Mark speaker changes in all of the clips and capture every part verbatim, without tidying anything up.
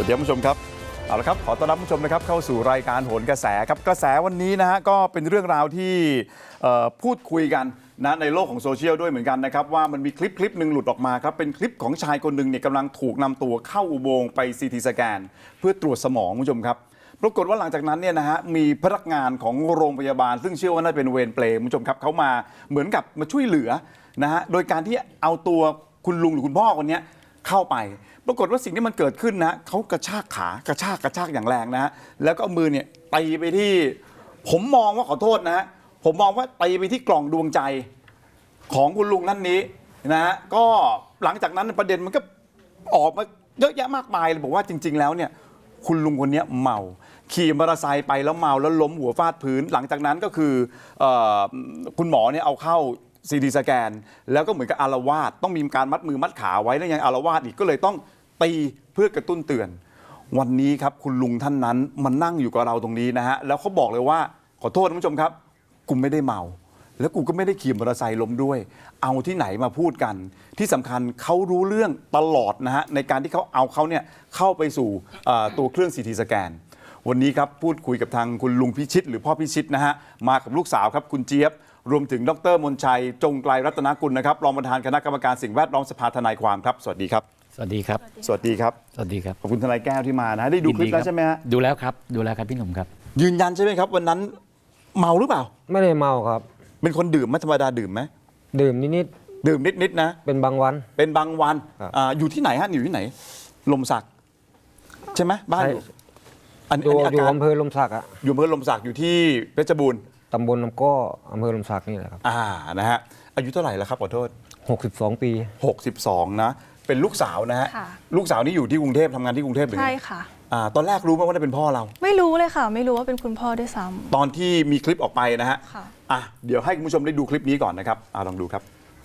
Speaker 1: ดีผู้ชมครับเอาละครับขอต้อนรับผู้ชมนะครับเข้าสู่รายการโหนกระแสครับกระแสวันนี้นะฮะก็เป็นเรื่องราวที่พูดคุยกันนะในโลกของโซเชียลด้วยเหมือนกันนะครับว่ามันมีคลิปคลิปหนึ่งหลุดออกมาครับเป็นคลิปของชายคนหนึ่งเนี่ยกำลังถูกนำตัวเข้าอุโมงค์ไปซีทีสแกนเพื่อตรวจสมองผู้ชมครับปรากฏว่าหลังจากนั้นเนี่ยนะฮะมีพนักงานของโรงพยาบาลซึ่งเชื่อว่าน่าเป็นเวรเปรย์ผู้ชมครับเขามาเหมือนกับมาช่วยเหลือนะฮะโดยการที่เอาตัวคุณลุงหรือคุณพ่อคนนี้เข้าไปปรากฏว่าสิ่งที่มันเกิดขึ้นนะเขากระชากขากระชากกระชากอย่างแรงนะฮะแล้วก็เอามือเนี่ยตีไปที่ผมมองว่าขอโทษนะฮะผมมองว่าตีไปที่กล่องดวงใจของคุณลุงท่านนี้นะฮะก็หลังจากนั้นประเด็นมันก็ออกมาเยอะแยะมากมายเลยบอกว่าจริงๆแล้วเนี่ยคุณลุงคนนี้เมาขี่มอเตอร์ไซค์ไปแล้วเมาแล้วล้มหัวฟาดพื้นหลังจากนั้นก็คือคุณหมอเนี่ยเอาเข้าซีทีสแกนแล้วก็เหมือนกับอาละวาดต้องมีการมัดมือมัดขาไว้แล้วยังอาละวาดอีกก็เลยต้องตีเพื่อกระตุ้นเตือนวันนี้ครับคุณลุงท่านนั้นมันนั่งอยู่กับเราตรงนี้นะฮะแล้วเขาบอกเลยว่าขอโทษท่านผู้ชมครับกูไม่ได้เมาแล้วกูก็ไม่ได้ขี่มอเตอร์ไซค์ล้มด้วยเอาที่ไหนมาพูดกันที่สำคัญเขารู้เรื่องตลอดนะฮะในการที่เขาเอาเขาเนี่ยเข้าไปสู่ตัวเครื่องซีทีสแกนวันนี้ครับพูดคุยกับทางคุณลุงพิชิตหรือพ่อพิชิตนะฮะมากับลูกสาวครับคุณเจี๊ยบรวมถึงดรมนชัยจงไกลรัตนกุลนะครับรองประธานคณะกรรมการสิ่งแวดล้อมสภาทนายความครับสวัสดีครับ
Speaker 2: สวัสดีครับ
Speaker 1: สวัสดีครับ
Speaker 2: สวัสดีครับ
Speaker 1: ขอบคุณทนายแก้วที่มานะได้ดูคลิปแล้วใช่ไหมฮะ
Speaker 2: ดูแล้วครับดูแล้วครับพี่หนุ่มครับ
Speaker 1: ยืนยันใช่ไหมครับวันนั้นเมาหรือเปล่า
Speaker 3: ไม่ได้เมาครับ
Speaker 1: เป็นคนดื่มไหมธรรมดาดื่มไหม
Speaker 3: ดื่มนิด
Speaker 1: ๆดื่มนิดๆนะ
Speaker 3: เป็นบางวัน
Speaker 1: เป็นบางวันอ่าอยู่ที่ไหนฮะอยู่ที่ไหนลมสักใช่ไหมบ้านอยู่
Speaker 3: อันนี้อยู่อำเภอลมสักอ่ะ
Speaker 1: อยู่อำเภอลมสักอยู่ที่เพชรบูรณ์
Speaker 3: ตำบลลำก้ออำเภอลมสักนี่แหละครับ
Speaker 1: อ่านะฮะอายุเท่าไหร่แล้วครับขอโทษ
Speaker 3: หกสิบสองปี
Speaker 1: หกสิบสองนะเป็นลูกสาวนะฮะลูกสาวนี่อยู่ที่กรุงเทพทำงานที่กรุงเทพหรือ
Speaker 4: ใช่ค่ะ
Speaker 1: อ่าตอนแรกรู้ไหมว่าเป็นพ่อเรา
Speaker 4: ไม่รู้เลยค่ะไม่รู้ว่าเป็นคุณพ่อด้วยซ้
Speaker 1: ำตอนที่มีคลิปออกไปนะฮะ
Speaker 4: ค่ะ
Speaker 1: อ่ะเดี๋ยวให้คุณผู้ชมได้ดูคลิปนี้ก่อนนะครับอ่าลองดูครับ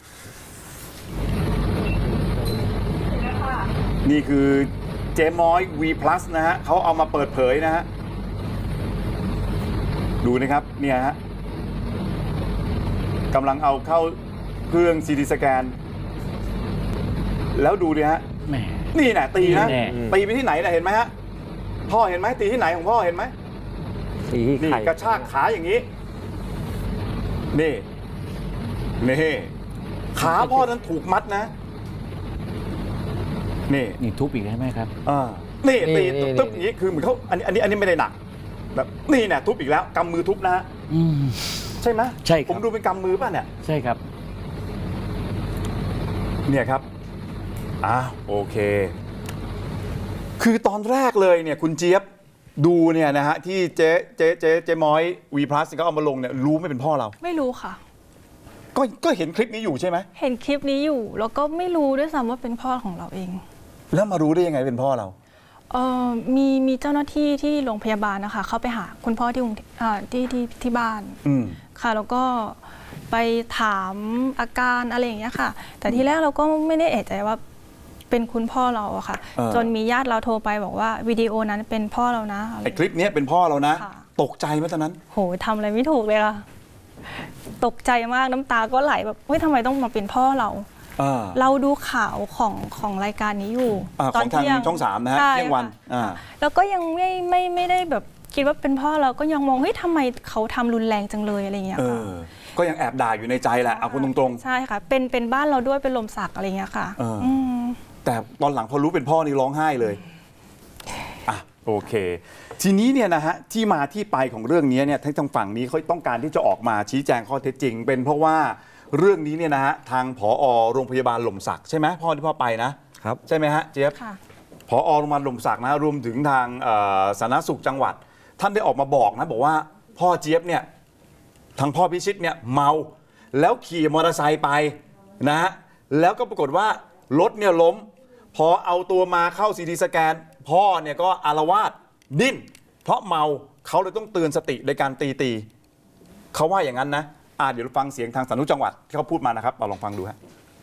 Speaker 1: นี่คือเจม้อย V Plus นะฮะเขาเอามาเปิดเผยนะฮะดูนะครับเนี่ยฮะกำลังเอาเข้าเครื่อง ซี ที สแกนแล้วดูดิฮะนี่นะตีนะตีไปที่ไหนนะเห็นไหมฮะพ่อเห็นไหมตีที่ไหนของพ่อเห็นไหม
Speaker 3: ตีที่
Speaker 1: นี่กระชากขาอย่างนี้นี่นี่ขาพ่อนั้นถูกมัดนะนี่
Speaker 2: นี่ทุบอีกใช่ไหมครับ
Speaker 1: อ่านี่ตีทุบอย่างนี้คือเหมือนเขาอันนี้อันนี้อันนี้ไม่ได้หนักแบบนี่เนี่ยทุบอีกแล้วกำมือทุบนะใช่ไหม
Speaker 2: ใช่
Speaker 1: ผมดูเป็นกำมือป่ะเนี่ย
Speaker 2: ใช่ครับ
Speaker 1: เนี่ยครับอ่าโอเคคือตอนแรกเลยเนี่ยคุณเจี๊ยบดูเนี่ยนะฮะที่เจ๊เจ๊เจ๊เจ๊ม้อย V Plus ก็เอามาลงเนี่ยรู้ไม่เป็นพ่อเรา
Speaker 4: ไม่รู้ค่ะ
Speaker 1: ก็ก็เห็นคลิปนี้อยู่ใช่ไหม
Speaker 4: เห็นคลิปนี้อยู่แล้วก็ไม่รู้ด้วยซ้ำว่าเป็นพ่อของเราเอง
Speaker 1: แล้วมารู้ได้ยังไงเป็นพ่อเรา
Speaker 4: เออมีมีเจ้าหน้าที่ที่โรงพยาบาลนะคะเข้าไปหาคุณพ่อที่ที่ที่ที่บ้านค่ะแล้วก็ไปถามอาการอะไรอย่างเงี้ยค่ะแต่ทีแรกเราก็ไม่ได้เอะใจว่าเป็นคุณพ่อเราอะค่ะจนมีญาติเราโทรไปบอกว่าวิดีโอนั้นเป็นพ่อเรานะ
Speaker 1: ไอ้คลิปนี้เป็นพ่อเรานะตกใจไหมตอนนั้น
Speaker 4: โหทำอะไรไม่ถูกเลยค่ะตกใจมากน้ำตาก็ไหลแบบเฮ้ยทำไมต้องมาเป็นพ่อเราเราดูข่าวของของรายการนี้อยู่
Speaker 1: ตอนทางช่องสามนะฮะเที่ยงวัน
Speaker 4: แล้วก็ยังไม่ไม่ไม่ได้แบบคิดว่าเป็นพ่อเราก็ยังมองเฮ้ยทำไมเขาทำรุนแรงจังเลยอะไรเงี้ย
Speaker 1: ก็ยังแอบด่าอยู่ในใจแหละเอาคนตรง
Speaker 4: ๆใช่ค่ะเป็นเป็นบ้านเราด้วยเป็นลมสักอะไรเงี้ยค่ะ
Speaker 1: แต่ตอนหลังพอรู้เป็นพ่อนี่ร้องไห้เลยอ่ะโอเคทีนี้เนี่ยนะฮะที่มาที่ไปของเรื่องนี้เนี่ยทั้งฝั่งนี้เขาต้องการที่จะออกมาชี้แจงข้อเท็จจริงเป็นเพราะว่าเรื่องนี้เนี่ยนะฮะทางผอ.โรงพยาบาลหล่มสักใช่ไหมพ่อที่พ่อไปนะครับใช่ไหมฮะเจี๊ยบผอ.โรงพยาบาลหล่มสักนะรวมถึงทางสาธารณสุขจังหวัดท่านได้ออกมาบอกนะบอกว่าพ่อเจี๊ยบเนี่ยทางพ่อพิชิตเนี่ยเมาแล้วขี่มอเตอร์ไซค์ไปนะฮะแล้วก็ปรากฏว่ารถเนี่ยล้มพอเอาตัวมาเข้าซีทีสแกนพ่อเนี่ยก็อาละวาดดิ้นเพราะเมาเขาเลยต้องเตือนสติในการตีตีเขาว่าอย่างนั้นนะอ่าเดี๋ยวฟังเสียงทางสาธารณสุขจังหวัดที่เขาพูดมานะครับเราลองฟังดูฮะ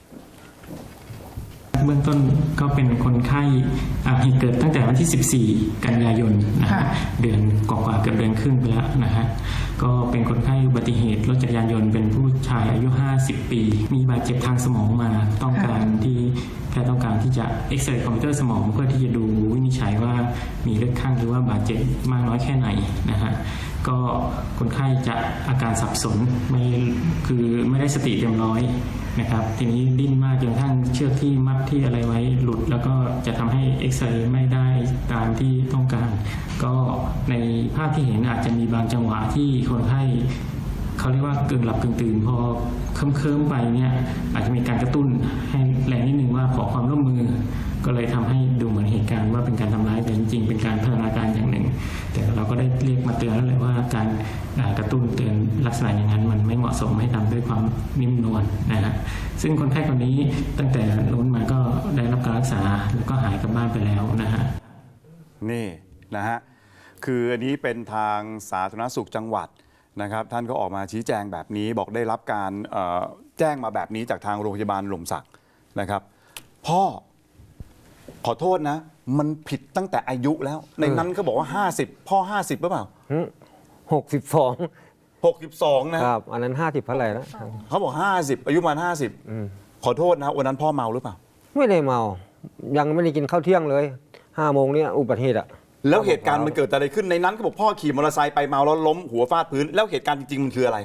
Speaker 5: เบื้องต้นก็เป็นคนไข้เหตุเกิดตั้งแต่วันที่สิบสี่กันยายนนะฮะเดือนกว่าๆเกือบเดือนครึ่งไปแล้วนะฮะก็เป็นคนไข้อุบัติเหตุรถจักรยานยนต์เป็นผู้ชายอายุห้าสิบปี มีบาดเจ็บทางสมองมาต้องการที่แพทย์ต้องการที่จะเอ็กซเรย์คอมพิวเตอร์สมองเพื่อที่จะดูวินิจฉัยว่ามีเลือดข้างหรือว่าบาดเจ็บมากน้อยแค่ไหนนะฮะก็คนไข้จะอาการสับสนไม่คือไม่ได้สติเต็มร้อยนะครับทีนี้ดิ้นมากจนกระทั่งเชือกที่มัดที่อะไรไว้หลุดแล้วก็จะทำให้เอ็กซเรย์ไม่ได้ตามที่ต้องการ ก็ในภาพที่เห็นอาจจะมีบางจังหวะที่คนไข้เขาเรียกว่ากึ่งหลับกึ่งตื่นพอเคิมๆไปเนี่ยอาจจะมีการกระตุ้นให้แรงนิดนึงว่าขอความร่วมมือ ก็เลยทำให้ดูเหมือนเหตุการณ์ว่าเป็นการทำร้ายแต่จริงๆเป็นการพัฒนาการอย่างหนึ่ง แต่เราก็ได้เรียกมาเตือนแล้วแหละว่าการกระตุ้นเตือนลักษณะอย่างนั้นมันไม่เหมาะสมให้ทำด้วยความนิ่มนวลนะฮะซึ่งคนไข้คนนี้ตั้งแต่นู้นมาก็ได้รับการรักษาแล้วก็หายกลับบ้านไปแล้วนะฮะ
Speaker 1: นี่นะฮะคืออันนี้เป็นทางสาธารณสุขจังหวัดนะครับท่านก็ออกมาชี้แจงแบบนี้บอกได้รับการเอ่อแจ้งมาแบบนี้จากทางโรงพยาบาลหล่มสักนะครับพ่อขอโทษนะมันผิดตั้งแต่อายุแล้วในนั้นเขาบอกว่าห้าสิบพ่อห้าสิบหรือเปล่า
Speaker 3: หกสิบสอง
Speaker 1: หกสิบสองนะครับ
Speaker 3: อันนั้นห้าสิบเท่าไหร่แล้ว
Speaker 1: เขาบอกห้าสิบอายุประมาณห้าสิบขอโทษนะวันนั้นพ่อเมาหรือเปล่า
Speaker 3: ไม่ได้เมา ยังไม่ได้กินข้าวเที่ยงเลยห้าโมงเนี่ยอุบัติเหตุอะ
Speaker 1: แล้วเหตุการณ์มันเกิดอะไรขึ้นในนั้นเขาบอกพ่อขี่มอเตอร์ไซค์ไปเมาแล้วล้มหัวฟาดพื้นแล้วเหตุการณ์จริงๆมันคืออะไร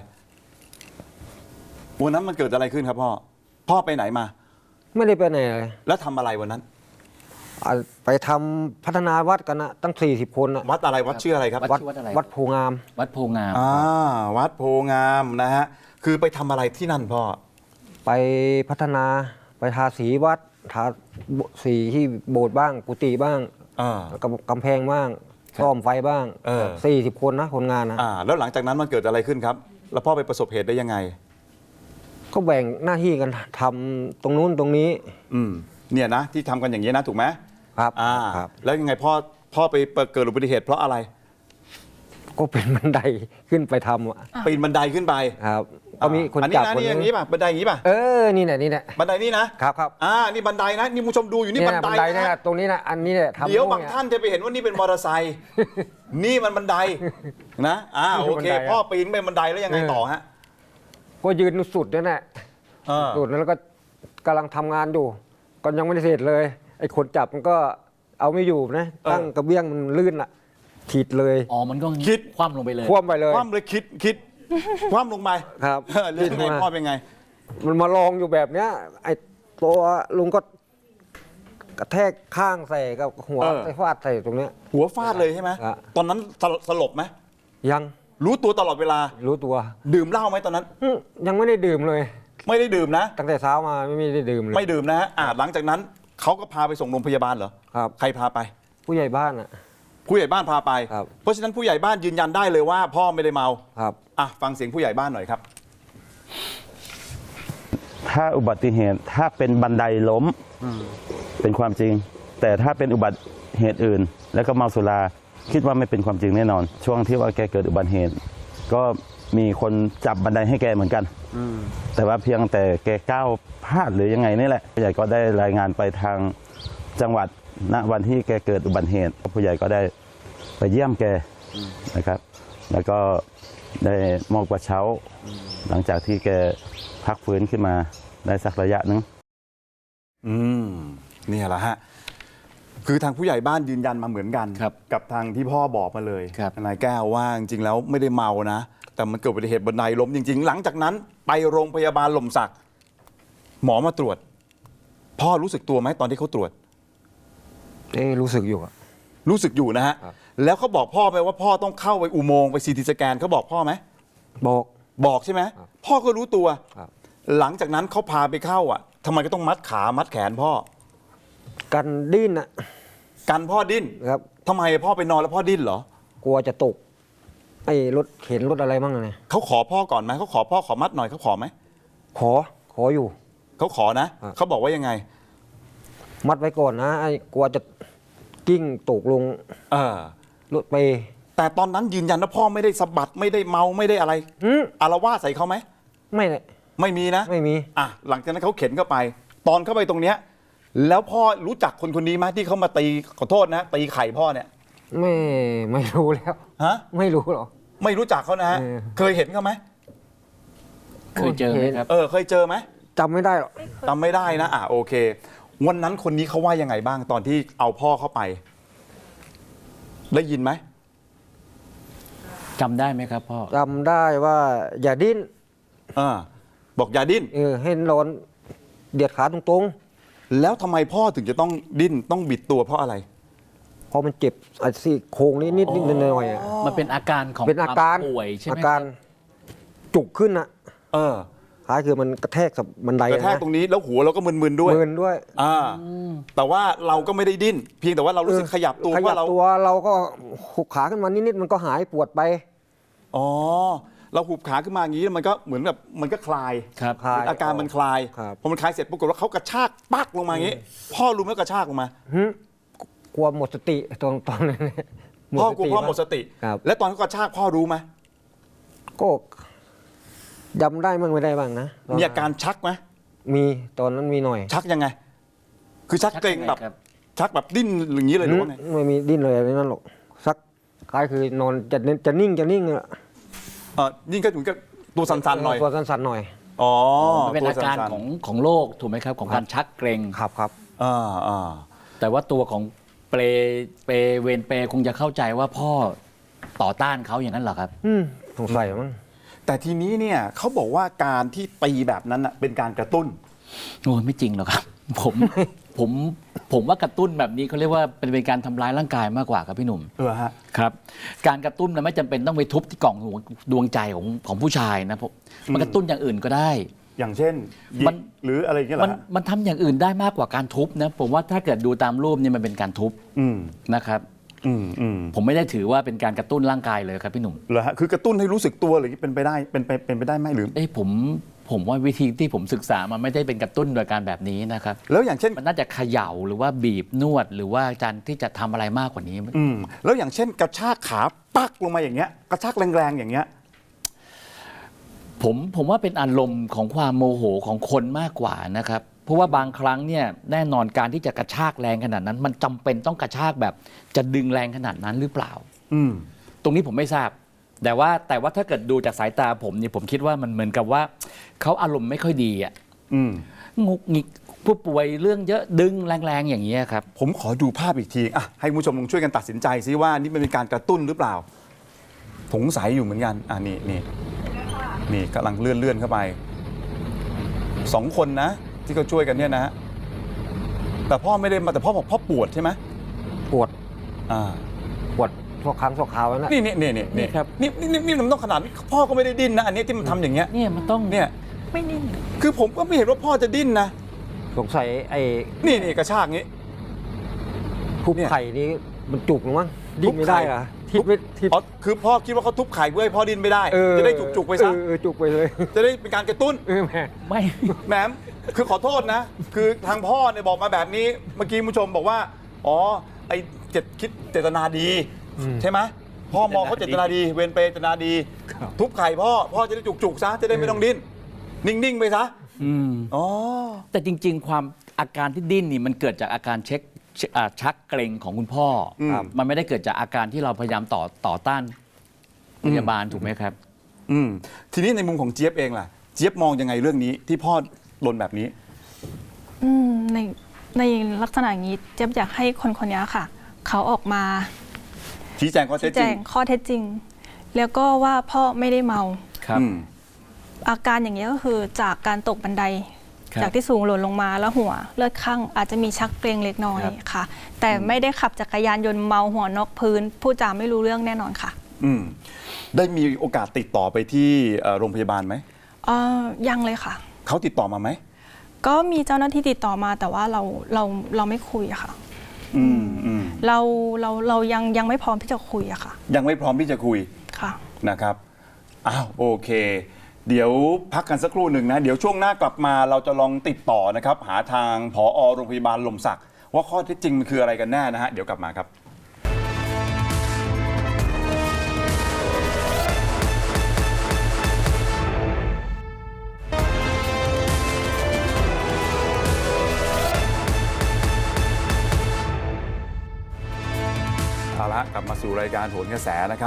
Speaker 1: วันนั้นมันเกิดอะไรขึ้นครับพ่อพ่อไปไหนมา
Speaker 3: ไม่ได้ไปไหนเลย
Speaker 1: แล้วทำอะไรวันนั้น
Speaker 3: อ่ะไปทำพัฒนาวัดกันนะตั้งสี่สิบคนนะ
Speaker 1: วัดอะไรวัดชื่ออะไรครับ
Speaker 2: วัดชื่อวัดอะไร
Speaker 3: วัดโพงาม
Speaker 2: วัดโพงาม
Speaker 1: อ่าวัดโพงามนะฮะคือไปทำอะไรที่นั่นพ่อ
Speaker 3: ไปพัฒนาไปทาสีวัดทาสีที่โบสถ์บ้างกุฏิบ้าง
Speaker 1: อ่า
Speaker 3: กำกำแพงบ้างซ่อมไฟบ้าง
Speaker 1: เออ
Speaker 3: สี่สิบคนนะคนงานนะ
Speaker 1: อ่าแล้วหลังจากนั้นมันเกิดอะไรขึ้นครับ แล้วพ่อไปประสบเหตุได้ยังไง
Speaker 3: ก็แบ่งหน้าที่กันทำตรงนู้นตรงนี้
Speaker 1: อืมเนี่ยนะที่ทำกันอย่างนี้ยนะถูกไหม
Speaker 3: ครับ
Speaker 1: อ่า
Speaker 3: ครับ
Speaker 1: แล้วยังไงพ่อพ่อไปเกิดอุบัติเหตุเพราะอะไร
Speaker 3: ก็เป็นบันไดขึ้นไปทำอะ
Speaker 1: ปีนบันไดขึ้นไป
Speaker 3: ครับก็มีคน
Speaker 1: อันนี้
Speaker 3: จับ
Speaker 1: นะ
Speaker 3: คน
Speaker 1: นี่อย่างนี้ป่ะบันไดอย่างนี้ป่ะ
Speaker 3: เออนี่แหละนี่แหละ
Speaker 1: บันไดนี่นะครับ
Speaker 3: ครับ
Speaker 1: อ่านี่บันไดนะนี่ผู้ชมดูอยู่นี่
Speaker 3: เนี่ย
Speaker 1: บัน
Speaker 3: บัน
Speaker 1: ได
Speaker 3: ไดเนี่ย
Speaker 1: นะ
Speaker 3: ตรงนี้นะอันนี้เนี่ยทำ
Speaker 1: เดี๋ยวบาง
Speaker 3: เนี่ย
Speaker 1: ท่านจะไปเห็นว่านี่เป็นมอเตอร์ไซค์ นี่มันบันไดนะอ่าโอเค
Speaker 3: บันไดอะ
Speaker 1: พ่อปีนไปบันไดแล้วยังไงต่อฮะ
Speaker 3: ก็ยืนสุดนั่นแหละ
Speaker 1: เออ
Speaker 3: สุดแล้วก็กำลังทำงานอยู่ก็ยังไม่ได้เสร็จเลยไอ้คนจับมันก็เอาไม่อยู่นะตั้งกระเบี้ยงมันลื่นอะถีดเลย
Speaker 2: อ๋อ มันก็
Speaker 1: คิด
Speaker 2: คว่ำลงไปเลย
Speaker 3: คว่ำไปเลย
Speaker 1: คว่ำเลยคิดคิดคว่ำลงไป
Speaker 3: ครับ
Speaker 1: เออแล้วยังไงพ่อเป็นไง
Speaker 3: มันมาลองอยู่แบบเนี้ยไอ้ตัวลุงก็กระแทกข้างใส่กับหัว
Speaker 1: เออ
Speaker 3: ใส่ฟาดใส่ตรงเนี้ย
Speaker 1: หัวฟาดเลยใช่ไหม
Speaker 3: ครับ
Speaker 1: ตอนนั้นสลสลบไหม
Speaker 3: ยัง
Speaker 1: รู้ตัวตลอดเวลา
Speaker 3: รู้ตัว
Speaker 1: ดื่มเหล้าไหมตอนนั้น
Speaker 3: อืมยังไม่ได้ดื่มเลย
Speaker 1: ไม่ได้ดื่มนะ
Speaker 3: ตั้งแต่เช้ามาไม่ได้ดื่มเลย
Speaker 1: ไม่ดื่มนะฮะอ่าหลังจากนั้นเขาก็พาไปส่งโรงพยาบาลเหรอ
Speaker 3: ครับ
Speaker 1: ใครพาไป
Speaker 3: ผู้ใหญ่บ้านอ่ะ
Speaker 1: ผู้ใหญ่บ้านพาไป
Speaker 3: ครับ
Speaker 1: เพราะฉะนั้นผู้ใหญ่บ้านยืนยันได้เลยว่า พ่อไม่ได้เมา
Speaker 3: ครับ
Speaker 1: อ่ะฟังเสียงผู้ใหญ่บ้านหน่อยครับ
Speaker 6: ถ้าอุบัติเหตุถ้าเป็นบันไดล้มเป็นความจริง แต่ถ้าเป็นอุบัติเหตุอื่น แล้วก็เมาสุราคิดว่าไม่เป็นความจริงแน่นอน ช่วงที่ว่าแกเกิดอุบัติเหตุ ก็มีคนจับบันไดให้แกเหมือนกันแต่ว่าเพียงแต่แกก้าวพลาดหรือยังไงนี่แหละผู้ใหญ่ก็ได้รายงานไปทางจังหวัดณวันที่แกเกิดอุบัติเหตุผู้ใหญ่ก็ได้ไปเยี่ยมแกนะครับ แล้วก็ได้มอบกระเช้า หลังจากที่แกพักฟื้นขึ้นมาได้สักระยะหนึง
Speaker 1: อืมเนี่ยแหละฮะคือทางผู้ใหญ่บ้านยืนยันมาเหมือนกัน
Speaker 2: ครับ
Speaker 1: กับทางที่พ่อบอกมาเลย
Speaker 2: ครับ
Speaker 1: นายแก้วว่าจริงๆแล้วไม่ได้เมานะ แต่มันเกิดอุบัติเหตุบันไดล้มจริง ๆ หลังจากนั้นไปโรงพยาบาลหล่มสักหมอมาตรวจ พ่อรู้สึกตัวไหมตอนที่เขาตรวจ
Speaker 3: เอ้รู้สึกอยู่อะ
Speaker 1: รู้สึกอยู่นะฮะ
Speaker 3: ครับ
Speaker 1: แล้วเขาบอกพ่อไหมว่าพ่อต้องเข้าไปอุโมงค์ไปซีทีสแกนเขาบอกพ่อไหม
Speaker 3: บอก
Speaker 1: บอกใช่ไหมพ่อก็รู้ตัว
Speaker 3: ครับ
Speaker 1: หลังจากนั้นเขาพาไปเข้าอ่ะทำไมก็ต้องมัดขามัดแขนพ่อ
Speaker 3: กันดิ้นอะ
Speaker 1: กันพ่อดิ้น
Speaker 3: ครับ
Speaker 1: ทำไมพ่อไปนอนแล้วพ่อดิ้นเหรอ
Speaker 3: กลัวจะตกไอ้รถเข็นรถอะไรบ้างอะเนี่ย
Speaker 1: เขาขอพ่อก่อนไหมเขาขอพ่อขอมัดหน่อยเขาขอไหม
Speaker 3: ขอขออยู่
Speaker 1: เขาขอนะ
Speaker 3: อ่ะ
Speaker 1: เขาบอกว่ายังไง
Speaker 3: มัดไว้ก่อนนะไอ้กลัวจะกิ้งตกลง
Speaker 1: เออ
Speaker 3: รถไป
Speaker 1: แต่ตอนนั้นยืนยันว่าพ่อไม่ได้สะบัดไม่ได้เมาไม่ได้อะไร
Speaker 3: อืม
Speaker 1: อารวาสใส่เขาไหม
Speaker 3: ไม่เลย
Speaker 1: ไม่มีนะ
Speaker 3: ไม่มี
Speaker 1: อ่ะหลังจากนั้นเขาเข็นเข้าไป ตอนเข้าไปตรงเนี้ยแล้วพ่อรู้จักคนคนนี้ไหมที่เขามาตีขอโทษนะตีไข่พ่อเนี่ย
Speaker 3: ไม่ไม่รู้แล้ว
Speaker 1: ฮะ
Speaker 3: ไม่รู้หรอก
Speaker 1: ไม่รู้จักเขานะฮะ
Speaker 3: เออ
Speaker 1: เคยเห็นเขาไหม
Speaker 2: เคยเจอไหมครับ
Speaker 1: เออเคยเจอไหม
Speaker 3: จำไม่ได้หรอก
Speaker 1: จำไม่ได้นะอ่ะโอเค วันนั้นคนนี้เขาว่ายังไงบ้างตอนที่เอาพ่อเข้าไป ได้ยินไหม
Speaker 2: จำได้ไหมครับพ่อ
Speaker 3: จำได้ว่าอย่าดิ้น
Speaker 1: อ่าบอกอย่าดิ้น
Speaker 3: เออให้นอนเดียดขาตรง
Speaker 1: แล้วทำไมพ่อถึงจะต้องดิ้นต้องบิดตัวเพราะอะไร
Speaker 3: ๆเพราะมันเจ็บไอ้ซี่โครงนี้นิดนิดหน่อยๆอะ
Speaker 2: มันเป็นอาการของ
Speaker 3: เป็นอาการ
Speaker 2: ควมป่วยใช่ไหม
Speaker 3: อาการจุกขึ้นอะ
Speaker 1: เออ
Speaker 3: คล้ายคือมันกระแทกกับบันได
Speaker 1: กระแทก
Speaker 3: นะ
Speaker 1: ตรงนี้แล้วหัวเราก็มึนๆด้วย
Speaker 3: มืนด้วย
Speaker 1: อ่าแต่ว่าเราก็ไม่ได้ดิ้น เพียงแต่ว่าเรารู้สึกขยับตัว
Speaker 3: ขยั
Speaker 1: ว่า
Speaker 3: บ
Speaker 1: เรา
Speaker 3: ตัวเราก็หุบขาขึ้นมานิดๆมันก็หายปวดไป
Speaker 1: อ๋อเราหุบขาขึ้นมาอย่างนี้มันก็เหมือนแบบมันก็คลาย
Speaker 2: ครับ
Speaker 3: คลาย
Speaker 1: อาการมันคลาย
Speaker 3: ครับ
Speaker 1: พอมันคลายเสร็จปรากฏว่าเขากระชากปักลงมาอย่างนี้ พ่อรู้ไหมกระชากลงมา
Speaker 3: หึกลัวหมดสติตอนตอนนั้น
Speaker 1: พ่อกลัวพ่อหมดสติ
Speaker 3: ครับ
Speaker 1: และตอนเขากระชากพ่อรู้ไหม
Speaker 3: ก็จำได้บ้างไม่ได้บ้างนะตน
Speaker 1: มีอาการชักไหม
Speaker 3: มีตอนนั้นมีหน่อย
Speaker 1: ชักยังไง คือชัก
Speaker 2: ชัก
Speaker 1: เกร็ง
Speaker 2: ยังไง
Speaker 1: แบบ
Speaker 2: ครับ
Speaker 1: ชักแบบดิ้นอย่างนี้เลยหรือว่าไง
Speaker 3: ไม่มีดิ้นเลยอะไรนั่นหรอกสักคล้ายคือนอนจะเน้นจะนิ่งจะนิ่งอะ
Speaker 1: เออยิ่งก็ถึงกับตัวสั่นๆหน่อย
Speaker 3: ตัวสั่นๆหน่อย
Speaker 1: อ๋อ
Speaker 2: มันเป็น
Speaker 1: ตัว
Speaker 2: อาการ
Speaker 1: สั่นๆ
Speaker 2: ของของโรคถูกไหมครับ ของการชักเกร็ง
Speaker 3: ครับครับ
Speaker 1: อ่าอ่า
Speaker 2: แต่ว่าตัวของเปรเปรเวนเปรคงจะเข้าใจว่าพ่อต่อต้านเขาอย่างนั้นเหรอครับ
Speaker 3: อืมสงสัยมั้ง
Speaker 1: แต่ทีนี้เนี่ยเขาบอกว่าการที่ตีแบบนั้นน่ะเป็นการกระตุ้น
Speaker 2: โอ้ยไม่จริงหรอกครับ ผมผมผมว่ากระตุ้นแบบนี้เขาเรียกว่าเป็นเป็นการทำร้ายร่างกายมากกว่าครับพี่หนุ่ม
Speaker 1: เออฮะ
Speaker 2: ครับ การกระตุ้นนะไม่จำเป็นต้องไปทุบที่กล่องหัวดวงใจของของผู้ชายนะผมมันกระตุ้นอย่างอื่นก็ได้
Speaker 1: อย่างเช่นหยิก
Speaker 2: มัน
Speaker 1: หรืออะไรอย่างเงี้ยเหร
Speaker 2: มัน
Speaker 1: อฮะ
Speaker 2: มันทำอย่างอื่นได้มากกว่าการทุบนะผมว่าถ้าเกิดดูตามรูปเนี่ยมันเป็นการทุบ
Speaker 1: อืม
Speaker 2: นะครับ
Speaker 1: อืมอืม
Speaker 2: ผมไม่ได้ถือว่าเป็นการกระตุ้นร่างกายเลยครับพี่หนุ่ม
Speaker 1: เหรอฮะคือกระตุ้นให้รู้สึกตัวหรือเป็นไปได้เป็นไปเป็นไปได้ไหมหรือ
Speaker 2: เอ้ยผมผมว่าวิธีที่ผมศึกษามันไม่ได้เป็นกระตุ้นโดยการแบบนี้นะครับ
Speaker 1: แล้วอย่างเช่น
Speaker 2: มันน่าจะเขย่าหรือว่าบีบนวดหรือว่าการที่จะทำอะไรมากกว่านี้
Speaker 1: อืมแล้วอย่างเช่นกระชากขาปักลงมาอย่างเงี้ยกระชากแรงๆอย่างเงี้ย
Speaker 2: ผมผมว่าเป็นอารมณ์ของความโมโหของคนมากกว่านะครับ เพราะว่าบางครั้งเนี่ยแน่นอนการที่จะกระชากแรงขนาดนั้น มันจำเป็นต้องกระชากแบบจะดึงแรงขนาดนั้นหรือเปล่า
Speaker 1: อืม
Speaker 2: ตรงนี้ผมไม่ทราบ แต่ว่าแต่ว่าถ้าเกิดดูจากสายตาผมเนี่ยผมคิดว่ามันเหมือนกับว่าเขาอารมณ์ไม่ค่อยดีอ่ะ
Speaker 1: อืม
Speaker 2: งุกงิกผู้ป่วยเรื่องเยอะดึงแรงๆอย่างนี้ยครับ
Speaker 1: ผมขอดูภาพอีกทีอ่ะให้คุณผู้ชมลองช่วยกันตัดสินใจซิว่านี่มันเป็นการกระตุ้นหรือเปล่าสงสัยอยู่เหมือนกันอ่ะนี่นี่นี่กำลังเลื่อนเลื่อนเข้าไปสองคนนะที่เขาช่วยกันเนี่ยนะฮะแต่พ่อไม่ได้มาแต่พ่อบอกพ่อปวดใช่ไหม
Speaker 3: ปวด
Speaker 1: อ่า
Speaker 3: ปวดทั่วครั้งทั่วคราวนั่นแหละ
Speaker 1: นี่นี่นี่นี่
Speaker 2: นี่ครับ
Speaker 1: นี่นี่นี่นี่มันต้องขนาดนี้พ่อก็ไม่ได้ดิ้นนะอันนี้ที่มันทำอย่างเงี้ย
Speaker 2: เนี่ยมันต้อง
Speaker 1: เนี่ย
Speaker 4: ไม่นิ่ง
Speaker 1: คือผมก็ไม่เห็นว่าพ่อจะดิ้นนะ
Speaker 3: สงสัยไอ้
Speaker 1: นี่นี่กระชากงี้
Speaker 3: ทุบ
Speaker 1: เนี่ย
Speaker 3: ไข่นี้มันจุกหรือมั้งดิ้นไม่ได้เหรอทิศไม่ทิศ
Speaker 1: อ๋อคือพ่อคิดว่าเขาทุบไข่เพื่อให้พ่อดิ้นไม่ได้
Speaker 3: เออ
Speaker 1: จะได้จุกๆไปซะ
Speaker 3: เออเออจุกไปเลย
Speaker 1: จะได้เป็นการกระตุ้น
Speaker 3: เออแม่
Speaker 2: ไม่
Speaker 1: แหมคือขอโทษนะ คือทางพ่อเนี่ยบอกมาแบบนี้ เมื่อกี้คุณผู้ชมบอกว่า อ๋อ ไอ้เจตคิดเจตนาดี ใช่ไหมพ่อมองเขาเจตนาดี เวรเปรย์เจตนาดี ทุบไข่พ่อ พ่อจะได้จุกๆซะ จะได้ไม่ต้องดิ้น นิ่ง ๆ ไปซะ
Speaker 2: อืม
Speaker 1: อ๋อ
Speaker 2: แต่จริง ๆ ความอาการที่ดิ้นนี่มันเกิดจากอาการเช็คเช็คอ่าชักเกร็งของคุณพ่ออ
Speaker 1: ม
Speaker 2: ครับมันไม่ได้เกิดจากอาการที่เราพยายามต่อต่อต้านพยาบาลถูกไหมครับ
Speaker 1: อืม ทีนี้ในมุมของเจี๊ยบเองล่ะ เจี๊ยบมองยังไงเรื่องนี้ที่พ่อลนแบบนี้
Speaker 4: อืมในในลักษณะอย่างนี้เจ๊ยบอยากให้คนคนนี้ค่ะ เขาออกมา
Speaker 1: ชี้แจงข้อเท็
Speaker 4: ชี้
Speaker 1: จ
Speaker 4: แจ
Speaker 1: จริง
Speaker 4: งข้อเท็จจริง แล้วก็ว่าพ่อไม่ได้เมา
Speaker 2: ครับ
Speaker 1: อืม
Speaker 4: อาการอย่างนี้ยก็คือจากการตกบันได
Speaker 2: ครับ
Speaker 4: จากที่สูงหล่นลงมาแล้วหัวเลือดข้างอาจจะมีชักเกร็งเล็กน้อย
Speaker 2: ครับ
Speaker 4: ค่ะ แต่ไม่ได้ขับจักรยานยนต์เมาหัวนอกพื้นพูดจาไม่รู้เรื่องแน่นอนค่ะ
Speaker 1: อืม ได้มีโอกาสติดต่อไปที่เอ่อโรงพยาบาลไหม
Speaker 4: เออยังเลยค่ะ
Speaker 1: เขาติดต่อมาไหม
Speaker 4: ก็มีเจ้าหน้าที่ติดต่อมาแต่ว่าเราเราเราไม่คุยอะค่ะ
Speaker 1: อืมอืม
Speaker 4: เราเราเรายังยังไม่พร้อมที่จะคุยอะค่ะ
Speaker 1: ยังไม่พร้อมที่จะคุย
Speaker 4: ค่ะ
Speaker 1: นะครับ อ้าว โอเค เดี๋ยวพักกันสักครู่หนึ่งนะ เดี๋ยวช่วงหน้ากลับมาเราจะลองติดต่อนะครับ หาทางผอโรงพยาบาลลมศักดิ์ว่าข้อเท็จจริงมันคืออะไรกันแน่นะฮะ เดี๋ยวกลับมาครับ เอาละกลับมาสู่รายการโหนกระแสนะครับ